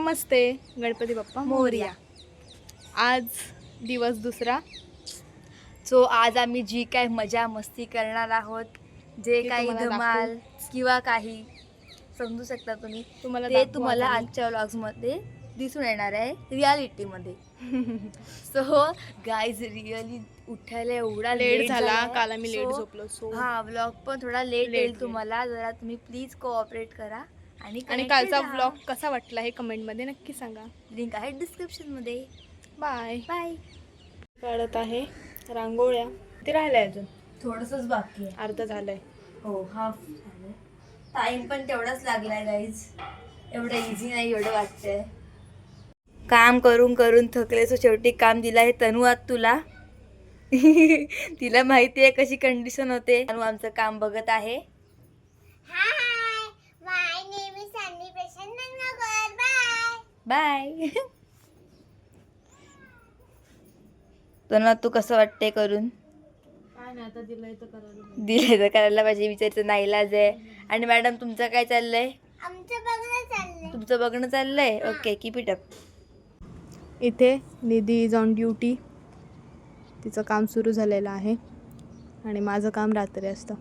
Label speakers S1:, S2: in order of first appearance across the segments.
S1: नमस्ते, गणपती बाप्पा मोरया। आज दिवस दुसरा,
S2: सो आज आम्ही जी काय मजा मस्ती करणार आहोत, जे
S1: ते
S2: काही
S1: तुम्हाला
S2: धमाल किंवा काही समजू शकता तुम्ही,
S1: तुम्हाला
S2: ते
S1: दाखवू
S2: तुम्हाला
S1: आज आम्ही.
S2: आजच्या व्लॉग्समध्ये दिसून येणार आहे रियालिटीमध्ये. सो गाईज रिअली उठायला एवढा
S1: लेट झाला,
S2: झालाय.
S1: काल आम्ही लेट
S2: So,
S1: झोपलो. सो
S2: हा व्लॉग पण थोडा लेट
S1: Late
S2: येईल
S1: येईल.
S2: तुम्हाला. जरा तुम्ही प्लीज कोऑपरेट करा आणि
S1: कालचा व्लॉग कसा वाटला हे कमेंटमध्ये नक्की सांगा.
S2: लिंक आहे डिस्क्रिप्शन मध्ये.
S1: बाय.
S2: बाय.
S1: काढत आहे रांगोळ्या, ते राहिलंय अजून
S2: थोडंसंच बाकी आहे.
S1: अर्ध झालंय.
S2: हो हाफ झालं. टाइम पण तेवढाच लागलाय गाईज. एवढं इझी नाही एवढं वाटतंय. काम करून करून थकले, सो शेवटी काम दिलं आहे तनू आज तुला. तिला माहिती आहे कशी कंडिशन होते. तनू आमचं काम बघत आहे. बाय. तनू तू कसं वाटतंय करून? दिले तर करायला पाहिजे, विचारायचं नाईलाज आहे. आणि मॅडम तुमचं काय चाललंय? तुमचं बघणं चाललंय. Okay, keep it up.
S1: इथे निधी इज ऑन ड्युटी. तिचं काम सुरू झालेलं आहे आणि माझं काम रात्री असतं.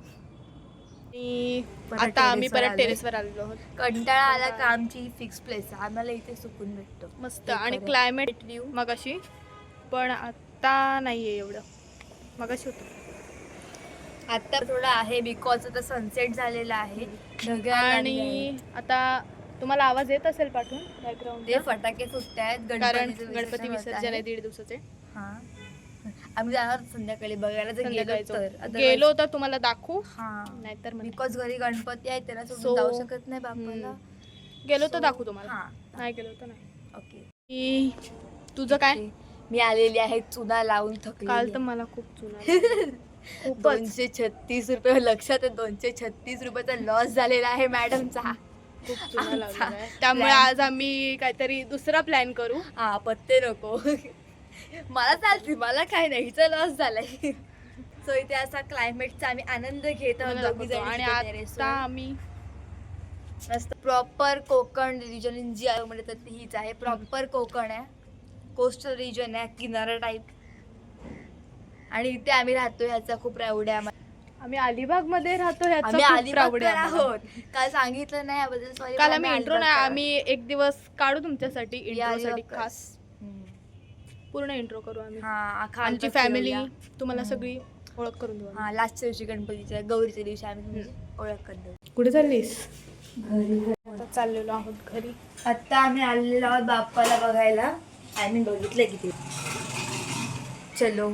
S1: आता आम्ही परत टेरेसवर आलेलो आहोत.
S2: कंटाळा आला का आमची फिक्स प्लेस आम्हाला इथे सुकून भेटतो
S1: मस्त. आणि क्लायमेट व्ह्यू मगाशी, पण आता नाहीये एवढं. मगाशी होतं.
S2: आता थोडं आहे बिकॉज आता सनसेट झालेला आहे. ढगाळ
S1: आणि आता तुम्हाला आवाज येत असेल पाठवून बॅकग्राऊंड,
S2: ते फटाके फुटतायत.
S1: कारण गणपती विसर्जन आहे 1.5 दिवसाचे.
S2: हा, आम्ही जाणार संध्याकाळी बघायला. जर गेलो तर
S1: गेलो तर तुम्हाला दाखवू,
S2: हा,
S1: नाहीतर
S2: बिकॉज घरी गणपती आहे त्याला सोडून
S1: So,
S2: जाऊ शकत नाही बापाला.
S1: गेलो तर दाखवू तुम्हाला.
S2: हा,
S1: नाही गेलो तर नाही.
S2: ओके.
S1: तुझं काय?
S2: मी आलेली आहे चुना लावून थकली.
S1: काल तर मला खूप चुना
S2: 236 रुपये. लक्षात आहे 236 रुपयाचा लॉस झालेला आहे मॅडमचा.
S1: खूप चुना लावलेला आहे. त्यामुळे आज आम्ही काहीतरी दुसरा प्लॅन करू.
S2: हा, पत्ते नको. मला चालते, मला काय नाही, हिचा लॉस झालाय. सो इथे असा क्लायमेटचा आम्ही आनंद घेत आहोत दोघी जणी.
S1: आणि आता आम्ही
S2: मस्त प्रॉपर कोकण रिजन जी आहे म्हणजे तर हीच आहे. प्रॉपर कोकण आहे, कोस्टल रिजन आहे, किनारा टाईप. आणि इथे आम्ही राहतो, ह्याचा खूप प्राऊड आहे आम्हाला.
S1: आम्ही अलिबाग मध्ये राहतो,
S2: आम्ही अलिबागकर आहोत. काल सांगितलं नाही याबद्दल सॉरी.
S1: काल आम्ही इंट्रो नाही, आम्ही एक दिवस काढू तुमच्यासाठी इंट्रोसाठी खास पूर्ण इंट्रो करू आम्ही. आमची फॅमिली तुम्हाला सगळी ओळख करून देऊ.
S2: हा, लास्टच्या दिवशी गणपतीच्या गौरीच्या दिवशी आम्ही तुमची ओळख करून देऊ.
S1: कुठे चाललीस?
S2: घरी.
S1: आता चाललेलो आहोत घरी.
S2: आता आम्ही आलेलो आहोत बाप्पाला बघायला. आम्ही बघितलं किती. चलो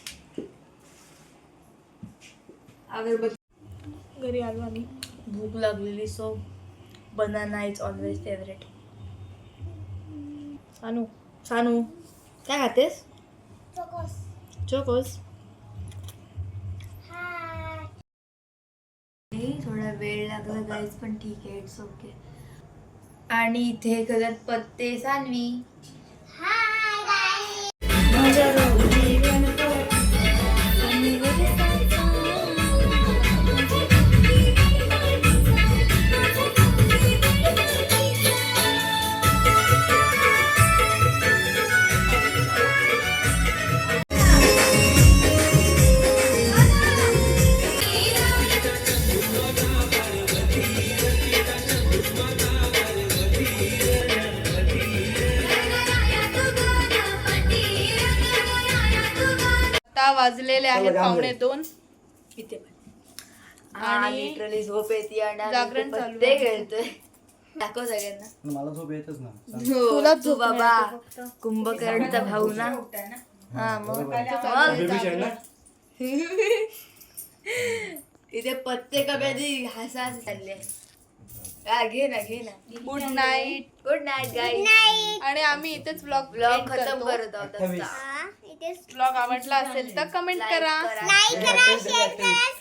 S1: घरी आलो आम्ही.
S2: भूक लागलेली, so banana is always favourite.
S1: Sanu
S2: Sanu काय खातेस? चोकोस. थोडा वेळ लागला गाईज, पण ठीक आहे, इट्स ओके. आणि इथे करत पत्ते सानवी.
S1: आता वाजलेले आहेत 1:45.
S2: इथे पण
S1: आणि
S2: लिटरली झोप येते आणि
S1: जागरण चालू
S2: पत्ते
S1: आहे.
S2: खेळतोय. दाखव सगळ्यांना.
S3: मला झोप येतच ना.
S1: तुला
S2: तू बाबा कुंभकर्णचा भाऊ ना. हा, मग इथे पत्ते कधी हसा चालले. घे ना.
S1: Good night.
S2: Good night guys.
S1: आणि आम्ही इथेच
S2: ब्लॉग खतम करत आहोत.
S1: ब्लॉग आवडला असेल तर कमेंट करा.
S2: लाईक करा, शेअर करा.